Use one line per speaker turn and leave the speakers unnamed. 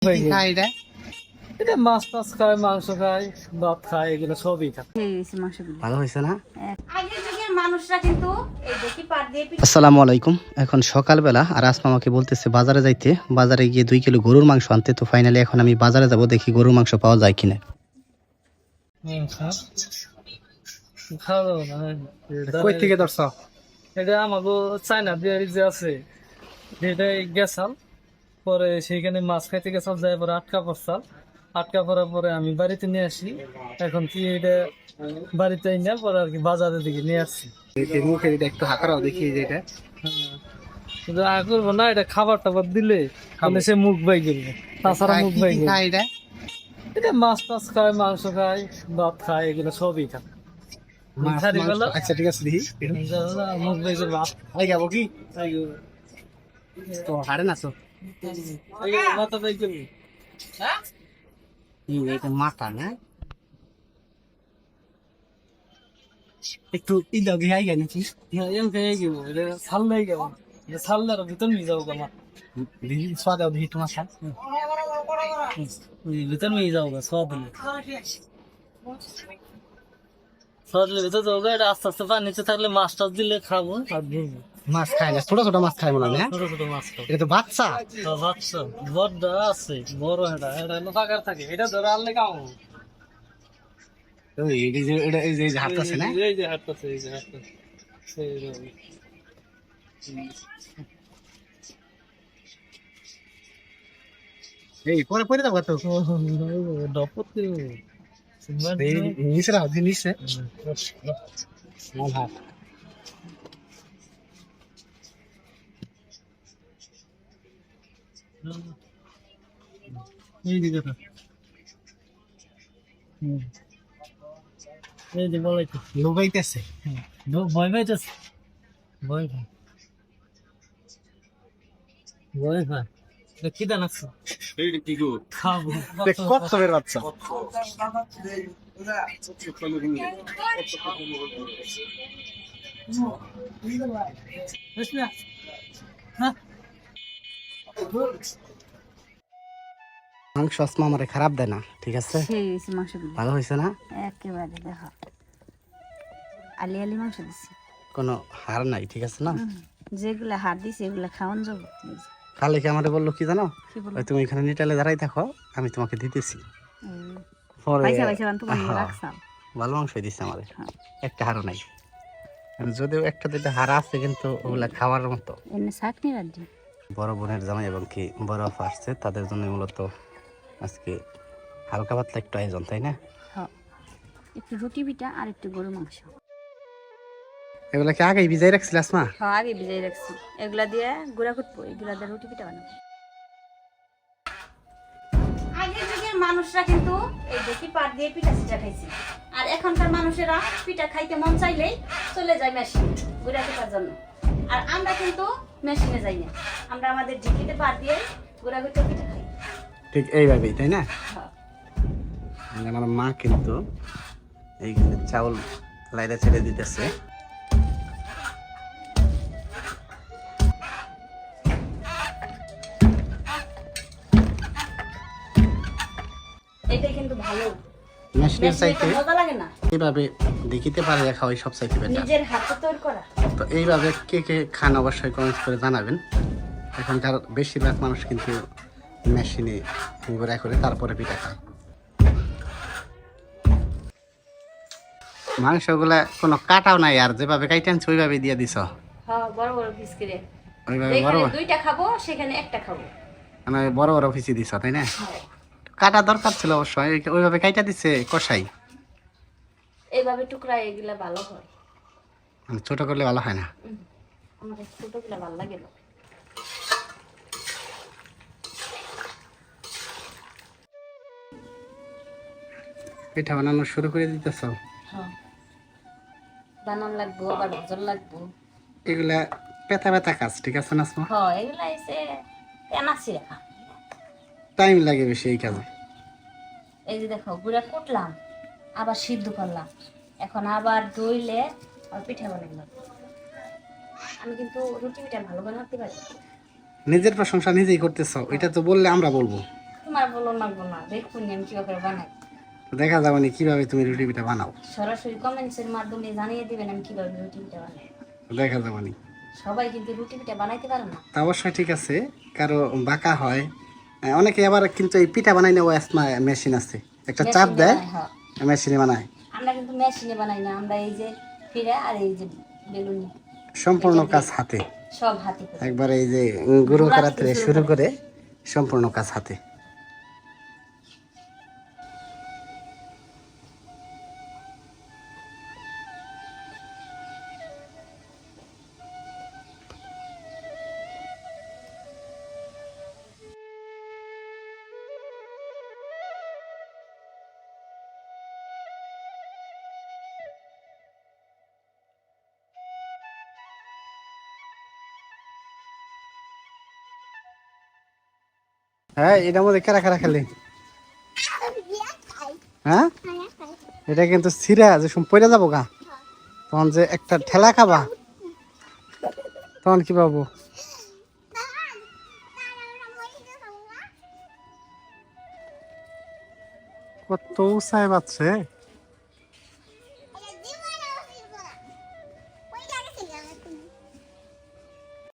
এটা মাছ টাছ খায়, মাংস খায়, ভাত খায়, এগুলো সবই খায়।
ভালো হয়েছে না? আসসালামু আলাইকুম। এখন সকালবেলা আর আসমা আমাকে বলতেছে বাজারে যাইতে, বাজারে গিয়ে 2 কিলো গরুর মাংস আনতে। তো ফাইনালি এখন আমি বাজারে যাব, দেখি গরুর মাংস পাওয়া যায় কিনা।
কই থেকে ধরছ? এটা আমাকে চায়না বিহারি যে আছে, এটাই গেছাল। পরে সেইখানে মাছ খাইতে গেছাল, যাই পরে আটকা পড়ছাল। আটকা পড়ার পরে আমি বাড়িতে নিয়ে আসি। এখন কি এটা বাড়িতে না, পরে আর কি বাজারের দিকে নিয়ে আসছি।
মুখের এটা একটু হাঁকারাও দেখি যে এটা।
কিন্তু আগে করবো না, এটা খাবার টাবার দিলে তাহলে সে মুখ বাই করবে, তাছাড়া মুখ বাই করবে। এটা মাছ টাছ খায়, মাংস খায়, ভাত খায়, এগুলো সবই খায়।
আচ্ছা ঠিক আছে, দেখি
মুখ বাই করবে।
আই যাবো কি তো হারে নাছো
মাথা বাই করবে।
এটা মাথা না একটু ইদাও গিয়ে আই গেছি।
এম খেয়ে গেবো, এটা ছাড়লেই গেবো, এটা ছাড়লে আর ভিতর নিয়ে যাবো গা।
দেখি সোয়া দাও, দেখি তোমার সাথে
ভিতর নিয়ে যাবো গা, সব দিলে সরলে ভিতর যাবো গা। এটা আস্তে আস্তে পানি নিচে থাকলে মাছ টাছ দিলে খাবো আর ধরবো।
মাছ খায় না, ছোট ছোট মাছ খায় মনে হয় না?
ছোট ছোট মাছ খাবো।
এটা তো বাচ্চা।
বাচ্চা বড় আছে, বড় এটা এটা হলো ফাঁকার থাকে, এটা ধরে আনলে খাবো।
ওই এই যে এটা এই যে হাত আছে না,
এই যে হাঁটতেছে, এই যে হাঁটতেছে।
এই পরে পরে দাও তো
ডপতে
এই নিচে রাখো, নিচে স্মল হাত।
এই দিকে তো এই যে বলাইতে
লোগাইতেছে
ভয় পাইতেছে, ভয় পাই, ভয় পাই। কি দান আছে খাবো
কচ্ছপের বাচ্চা। মাংস আসমা আমারে খারাপ দেয় না, ঠিক আছে? ভালো হয়েছে না?
একেবারে দেখো আলি আলি মাংস দিছি,
কোনো হার নাই, ঠিক আছে না?
যেগুলা হাত দিছি এগুলা খাওয়ান যাবো।
কালকে আমারে বললো কি জানো,
কি বলবো?
ওই তুমি এখানে নিটালে দাঁড়াই থাকো, আমি তোমাকে দিতেছি। পরে
পয়সা পয়সা বান তোমার
হ্যাঁ,
রাখছাম।
ভালো মাংস দিচ্ছে আমাদের,
হ্যাঁ।
একটা হারও নাই। আর যদিও একটা দুইটা হারা আছে, কিন্তু ওগুলা খাওয়ার মতো।
এমনি চাটনি রাখছি।
বড় বোনের জামাই এবং কি বড় আপা আসছে, তাদের জন্য মূলত আজকে হালকা পাতলা একটু আয়োজন, তাই না?
হ্যাঁ, একটু রুটি পিঠা আর একটু গরু মাংস।
এগুলা কি আগেই ভিজাই রাখছিল আসমা?
হ্যাঁ, আগে ভিজাই রাখছি। এগুলা দিয়ে গুঁড়া কুটবো, এগুলা দিয়ে রুটি পিঠা বানাবো। আগের যুগের মানুষরা কিন্তু এই দেখি পাট দিয়ে পিঠা সিঠা খাইছে, আর এখনকার মানুষেরা পিঠা খাইতে মন চাইলেই চলে যায় মেশিন গুঁড়া কুটার জন্য। আর আমরা কিন্তু মেশিনে যাই না, আমরা আমাদের ঢিকিতে পাট দিয়ে গুঁড়া কুটে পিঠা খাই।
ঠিক এইভাবেই, তাই না?
হ্যাঁ।
আমার মা কিন্তু এইখানে চাউল লাইরা ছেড়ে দিতেছে।
এটাই কিন্তু ভালো,
মেশিনের চাইতে
মজা লাগে না?
এইভাবে দেখিতে পারে রাখা হয় সব চাইতে বেটার।
নিজের হাতে তৈরি করা।
তো এইভাবে কে কে খান অবশ্যই কমেন্ট করে জানাবেন। এখনকার বেশিরভাগ মানুষ কিন্তু মেশিনে গুঁড়া করে তারপরে পিঠা খায়। মাংসগুলা কোনো কাটাও নাই, আর যেভাবে কাইটে আনছে ওইভাবে দিয়ে দিছ।
হ্যাঁ, বড় বড় পিস করে।
ওইভাবে বড়
যেখানে দুইটা খাবো সেখানে একটা খাবো।
মানে বড় বড় পিসি দিছ, তাই না? কাটা দরকার ছিল অবশ্যই, ওইভাবে কাইটা দিছে কষাই।
এইভাবে টুকরা এগুলা ভালো হয়,
মানে ছোট করলে ভালো হয় না।
আমার ছোটগুলা ভালো লাগে না।
পিঠা বানানো শুরু করে দিতেছ?
হ্যাঁ, বানান লাগবো, আবার ভজন লাগবো।
এগুলা পেতা পেতা কাজ, ঠিক আছে না আসমা?
হ্যাঁ, এগুলা এসে তেনাছি রাখা।
টাইম লাগে বেশি এই কাজে।
এই যে দেখো গুঁড়া কুটলাম, আবার সিদ্ধ করলাম, এখন আবার দইলে আর পিঠা বানাইলাম। আমি কিন্তু রুটি পিঠা ভালো বানাতে পারি।
নিজের প্রশংসা নিজেই করতেছ, এটা তো বললে আমরা বলবো।
তোমার বলো লাগবো না, দেখুন আমি কিভাবে বানাই।
তো দেখা যাবে না কিভাবে তুমি রুটি পিঠা বানাও,
সরাসরি কমেন্টসের মাধ্যমে জানিয়ে দিবেন আমি কিভাবে রুটি পিঠা বানাই।
তো দেখা যাবে না।
সবাই কিন্তু রুটি পিঠা বানাইতে পারে না।
তা অবশ্যই ঠিক আছে, কারো বাঁকা হয়, অনেকে আবার কিন্তু এই পিঠা বানাই নেওয়া মেশিন আছে, একটা চাপ
মেশিনে
দেয়
বানাই, হ্যাঁ।
মেশিনে বানায়।
আমরা কিন্তু মেশিনে বানাই না, আমরা এই যে ফিরে আর এই যে বেলুন
সম্পূর্ণ কাজ হাতে,
সব হাতে করি।
একবার এই যে গুঁড়ো করা থেকে শুরু করে সম্পূর্ণ কাজ হাতে। হ্যাঁ, এটার মধ্যে কারা কারা খেলে? হ্যাঁ, এটা কিন্তু ছিঁড়া যে পড়ে যাবো গা, তখন যে একটা ঠেলা খাবা, তখন কি পাবো? কত উৎসাহ পাচ্ছে।